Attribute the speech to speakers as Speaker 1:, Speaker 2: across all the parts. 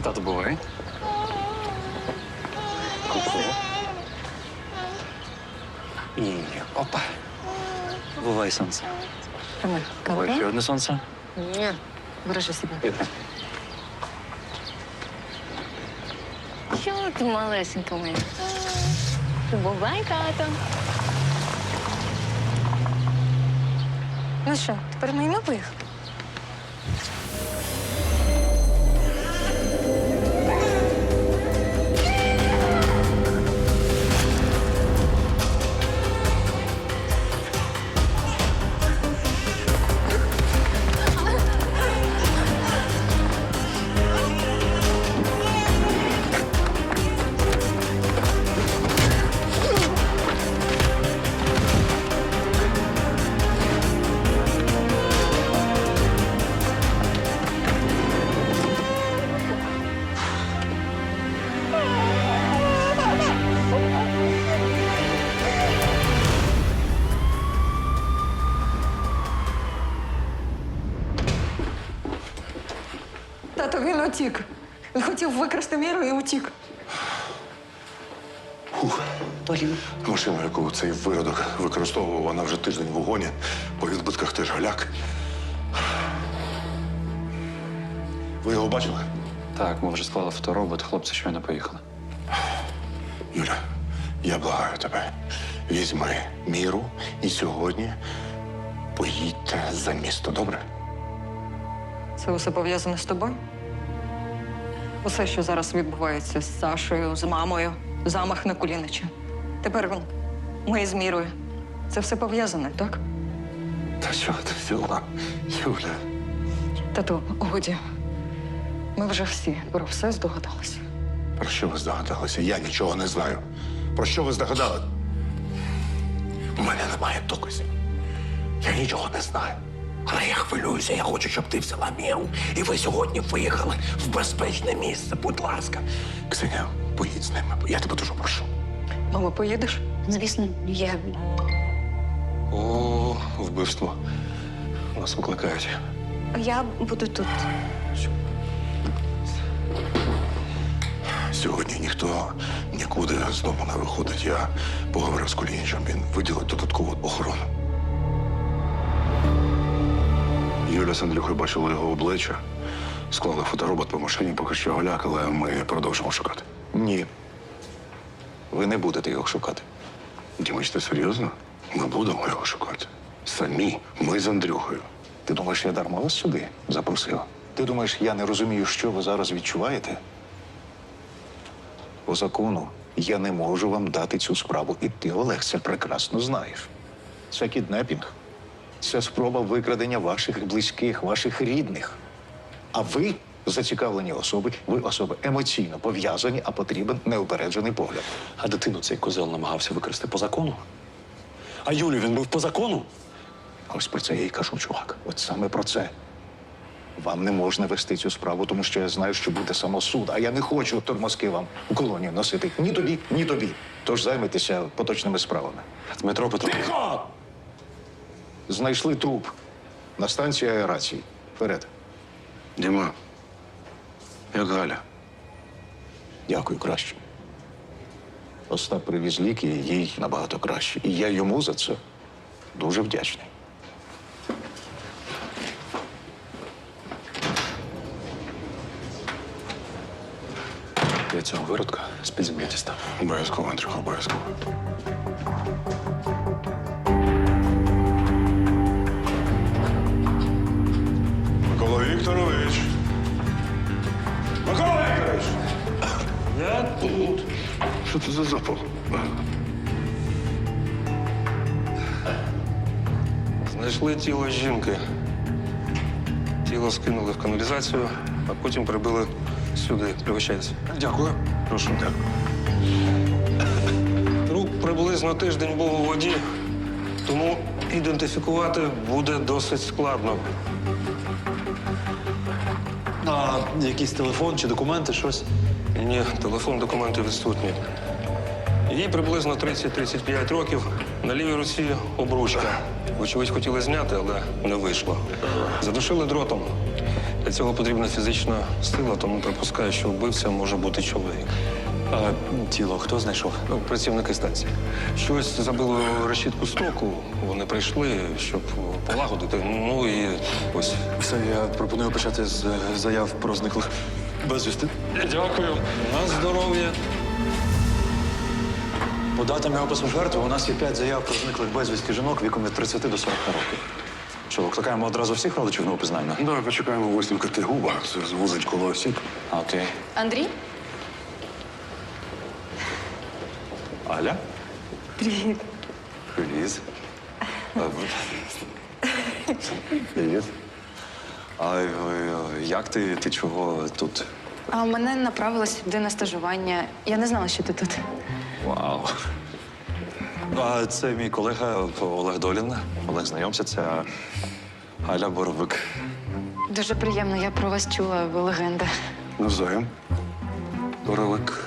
Speaker 1: Тато, бувай. І опа. Бувай, сонце. Бувай, ще одне сонце.
Speaker 2: Ні, бережи себе.
Speaker 1: Іди.
Speaker 2: Чого ти малесенька моя? Бувай, тато. Ну що, тепер ми поїхали?
Speaker 3: Тато, він утік. Він хотів викрасти Міру і утік.
Speaker 4: Машину, яку цей виродок використовував, вона вже тиждень в угоні. По відбитках теж галяк. Ви його бачили?
Speaker 1: Так, ми вже склали фоторобот, хлопці щойно поїхали.
Speaker 4: Юля, я благаю тебе. Візьми Міру і сьогодні поїдьте за місто, добре?
Speaker 3: Це усе пов'язане з тобою? Усе, що зараз відбувається з Сашою, з мамою, замах на Кулінича. Тепер ми з Мірою. Це все пов'язане, так?
Speaker 4: Та що ти взяла, Юля?
Speaker 3: Тату, годі. Ми вже всі про все здогадалися.
Speaker 4: Про що ви здогадалися? Я нічого не знаю. Про що ви здогадали? У мене немає доказів. Я нічого не знаю. Але я хвилююся, я хочу, щоб ти взяла Міру. І ви сьогодні виїхали в безпечне місце, будь ласка. Ксеня, поїдь з ними. Я тебе дуже прошу.
Speaker 3: Мама, поїдеш?
Speaker 2: Звісно, я...
Speaker 4: О, вбивство. Нас викликають.
Speaker 2: Я буду тут.
Speaker 4: Сьогодні ніхто нікуди з дому не виходить. Я поговорив з Кулінічем, він виділить додаткову охорону. Юля з Андрюхою бачили його обличчя, склали фоторобот по машині, поки що голяк, але ми продовжимо шукати.
Speaker 5: Ні. Ви не будете його шукати.
Speaker 4: Дімич, ти серйозно? Ми будемо його шукати. Самі, ми з Андрюхою.
Speaker 5: Ти думаєш, я дарма вас сюди запросив? Ти думаєш, я не розумію, що ви зараз відчуваєте? По закону я не можу вам дати цю справу, і ти, Олег, це прекрасно знаєш. Це кіднепінг. Це спроба викрадення ваших близьких, ваших рідних. А ви зацікавлені особи, ви особи емоційно пов'язані, а потрібен неупереджений погляд.
Speaker 6: А дитину цей козел намагався використати по закону? А Юлю він був по закону?
Speaker 5: Ось про це я й кажу, чувак. От саме про це. Вам не можна вести цю справу, тому що я знаю, що буде самосуд. А я не хочу тормозки вам у колонію носити. Ні тобі, ні тобі. Тож займайтеся поточними справами.
Speaker 6: Дмитро Петрович.
Speaker 5: Тихо! Знайшли труп на станції аерації. Вперед.
Speaker 4: Діма, як Галя?
Speaker 5: Дякую, краще. Остап привіз ліки, і їй набагато краще. І я йому за це дуже вдячний.
Speaker 6: Я цього виродка з-під землі дістав.
Speaker 4: Обов'язково, Андрюха, обов'язково. Микола Вікторович! Микола Вікторович!
Speaker 6: Я тут.
Speaker 4: Що це за запах?
Speaker 7: Знайшли тіло жінки. Тіло скинули в каналізацію, а потім прибили сюди. Пригощайтеся.
Speaker 4: Дякую.
Speaker 7: Прошу. Труп приблизно тиждень був у воді, тому ідентифікувати буде досить складно.
Speaker 6: А якийсь телефон чи документи, щось?
Speaker 7: Ні, телефон, документи відсутні. Їй приблизно 30-35 років. На лівій руці обручка. Вочевидь, хотіли зняти, але не вийшло. Задушили дротом. Для цього потрібна фізична сила, тому припускаю, що вбивця може бути чоловік.
Speaker 1: А тіло хто знайшов?
Speaker 7: Ну, працівники станції. Щось забило решітку стоку. Вони прийшли, щоб полагодити. Ну і ось.
Speaker 1: Все, я пропоную почати з заяв про зниклих безвісти.
Speaker 7: Дякую. На здоров'я.
Speaker 1: По датам і опису жертви у нас є 5 заяв про зниклих безвісти жінок віком від 30 до 40 років. Що, викликаємо одразу всіх родичів на опізнання?
Speaker 4: Давай почекаємо висновка Тигуба. Це звузить коло осіб.
Speaker 1: А, окей.
Speaker 2: Андрій?
Speaker 1: Аля?
Speaker 2: Привіт.
Speaker 1: Привіт. Привіт. А як ти? Ти чого тут?
Speaker 2: А мене направили сюди на стажування. Я не знала, що ти тут.
Speaker 1: Вау. А це мій колега Олег Долін. Олег, знайомся, це Аля Боровик.
Speaker 2: Дуже приємно, я про вас чула, ви легенда.
Speaker 4: Навзаєм.
Speaker 1: Боровик.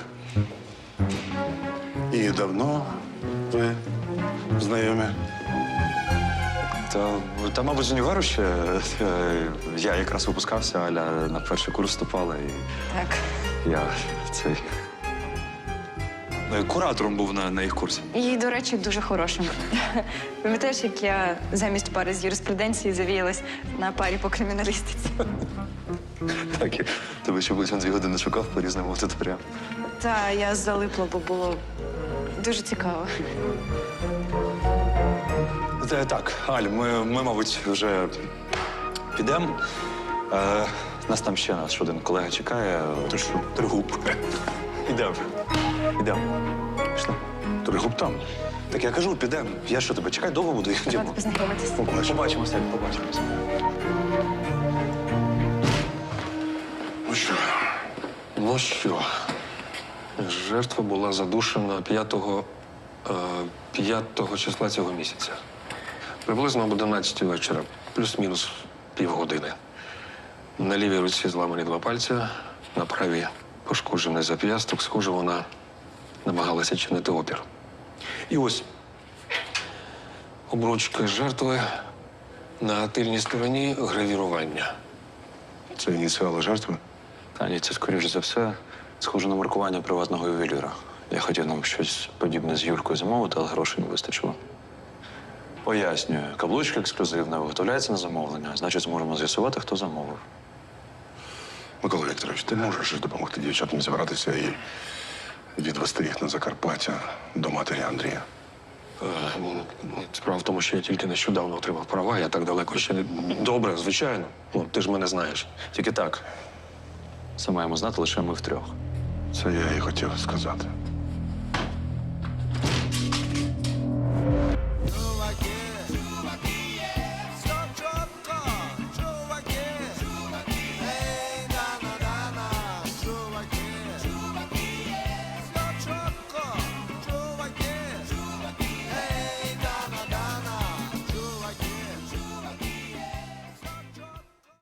Speaker 4: І давно ви знайомі?
Speaker 1: Та мабуть, з універу ще. Я якраз випускався, Аля на перший курс вступала, і
Speaker 2: Так.
Speaker 1: я цей. Куратором був на їх курсі.
Speaker 2: І, до речі, дуже хорошим. Пам'ятаєш, як я замість пари з юриспруденції завіялась на парі по криміналістиці?
Speaker 1: Так, і тебе ще близько 2 години шукав по різним аудиторіям.
Speaker 2: Та я залипла, бо було дуже цікаво.
Speaker 1: Так, Аль, ми, мабуть, вже підемо. Нас там ще наш один колега чекає.
Speaker 4: Ти що?
Speaker 1: Тригуб. Ідемо. Ідемо. Пішли.
Speaker 4: Тригуб там.
Speaker 1: Так я кажу, підемо. Я що, тебе чекай, довго буду?
Speaker 2: Рада
Speaker 1: Йдемо.
Speaker 2: познайомитись.
Speaker 1: Побачимося, побачимося.
Speaker 4: Ну що?
Speaker 7: Ну що, жертва була задушена 5 числа цього місяця. Приблизно об 11 вечора, плюс-мінус півгодини. На лівій руці зламані 2 пальця, на правій пошкоджений зап'ясток. Схоже, вона намагалася чинити опір. І ось обручка жертви, на тильній стороні гравірування.
Speaker 4: Це ініціали жертви?
Speaker 1: Та ні, це, скоріш за все, схоже на маркування приватного ювеліра. Я хотів нам щось подібне з Юлькою замовити, але грошей не вистачило. Пояснюю, каблучка ексклюзивна, виготовляється на замовлення. Значить, зможемо з'ясувати, хто замовив.
Speaker 4: Микола Вікторович, ти можеш допомогти дівчатам зібратися і відвести їх на Закарпаття до матері Андрія?
Speaker 7: Справа в тому, що я тільки нещодавно отримав права, я так далеко ще не. Добре, звичайно. Ну, ти ж мене знаєш.
Speaker 1: Тільки так. Це маємо знати лише ми втрьох.
Speaker 4: Це я і хотів сказати.